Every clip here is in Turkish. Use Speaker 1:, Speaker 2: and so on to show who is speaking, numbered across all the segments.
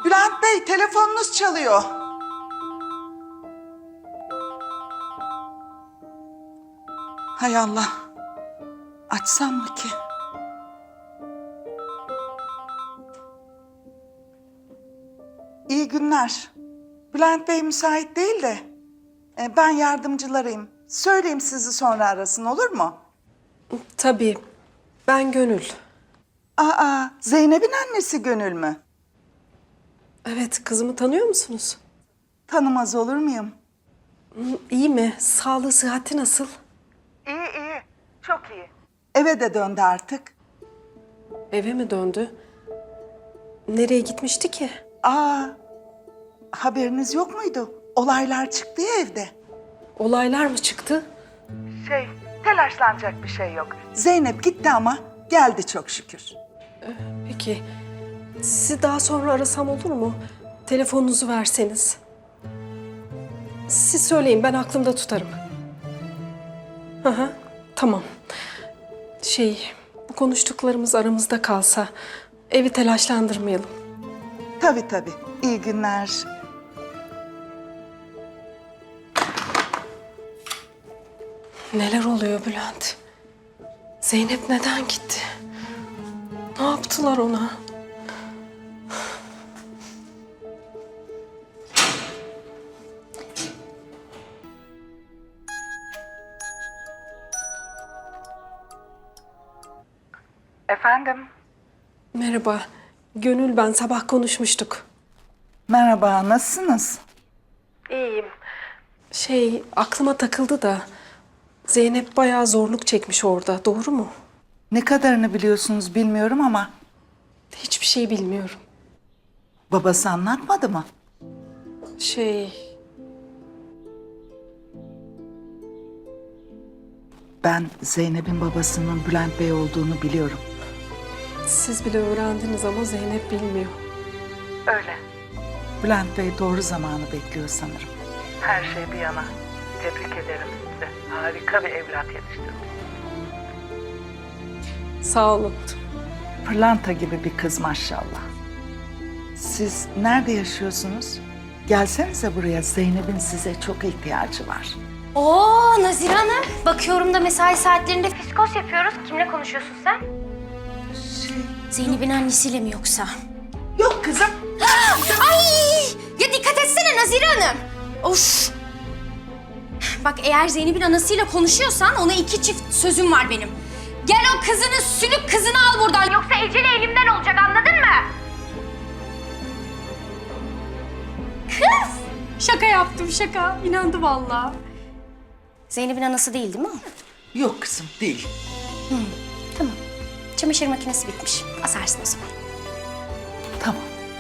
Speaker 1: Bülent Bey, telefonunuz çalıyor. Hay Allah. Açsam mı ki? İyi günler. Bülent Bey müsait değil de ben yardımcılarıyım. Söyleyeyim, sizi sonra arasın, olur mu?
Speaker 2: Tabii. Ben Gönül.
Speaker 1: Aa, Zeynep'in annesi Gönül mü?
Speaker 2: Evet, kızımı tanıyor musunuz?
Speaker 1: Tanımaz olur muyum?
Speaker 2: İyi mi? Sağlığı, sıhhati nasıl?
Speaker 1: İyi, iyi. Çok iyi. Eve de döndü artık.
Speaker 2: Eve mi döndü? Nereye gitmişti ki?
Speaker 1: Aa, haberiniz yok muydu? Olaylar çıktı ya evde.
Speaker 2: Olaylar mı çıktı?
Speaker 1: Telaşlanacak bir şey yok. Zeynep gitti ama geldi çok şükür.
Speaker 2: Peki. Sizi daha sonra arasam olur mu? Telefonunuzu verseniz. Siz söyleyin, ben aklımda tutarım. Hı hı, tamam. Bu konuştuklarımız aramızda kalsa evi telaşlandırmayalım.
Speaker 1: Tabii tabii. İyi günler.
Speaker 2: Neler oluyor Bülent? Zeynep neden gitti? Ne yaptılar ona?
Speaker 1: Efendim?
Speaker 2: Merhaba. Gönül ben. Sabah konuşmuştuk.
Speaker 1: Merhaba, nasılsınız?
Speaker 2: İyiyim. Aklıma takıldı da Zeynep bayağı zorluk çekmiş orada. Doğru mu?
Speaker 1: Ne kadarını biliyorsunuz bilmiyorum ama
Speaker 2: Hiçbir şey bilmiyorum.
Speaker 1: babası anlatmadı mı? Ben Zeynep'in babasının Bülent Bey olduğunu biliyorum.
Speaker 2: Siz bile öğrendiniz ama Zeynep bilmiyor.
Speaker 1: Öyle. Bülent Bey doğru zamanı bekliyor sanırım. Her şey bir yana. Tebrik ederim size. Harika bir evlat yetiştirmiş.
Speaker 2: Sağ olun.
Speaker 1: Pırlanta gibi bir kız maşallah. Siz nerede yaşıyorsunuz? Gelsenize buraya, Zeynep'in size çok ihtiyacı var.
Speaker 3: Oo Nazire Hanım. Bakıyorum da mesai saatlerinde fiskos yapıyoruz. Kimle konuşuyorsun sen? Zeynep'in annesiyle mi yoksa?
Speaker 1: Yok kızım.
Speaker 3: Ay! Ya dikkat etsene Nazire Hanım. Of! Bak eğer Zeynep'in anasıyla konuşuyorsan ona 2 çift sözüm var benim. Gel o kızını, sülük kızını al buradan. Yoksa eceli elimden olacak, anladın mı? Kız! Şaka yaptım, şaka. İnandı vallahi. Zeynep'in anası değil mi o?
Speaker 1: Yok kızım, değil.
Speaker 3: Tamam. Çamaşır makinesi bitmiş. Asarsın o zaman.
Speaker 1: Tamam.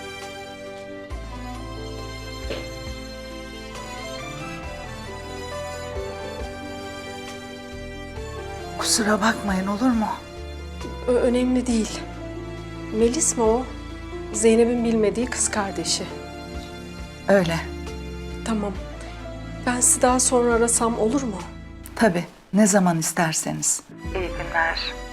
Speaker 1: Kusura bakmayın, olur mu?
Speaker 2: Önemli değil. Melis mi o? Zeynep'in bilmediği kız kardeşi.
Speaker 1: Öyle.
Speaker 2: Tamam. Ben sizi daha sonra arasam olur mu?
Speaker 1: Tabii, ne zaman isterseniz. İyi günler.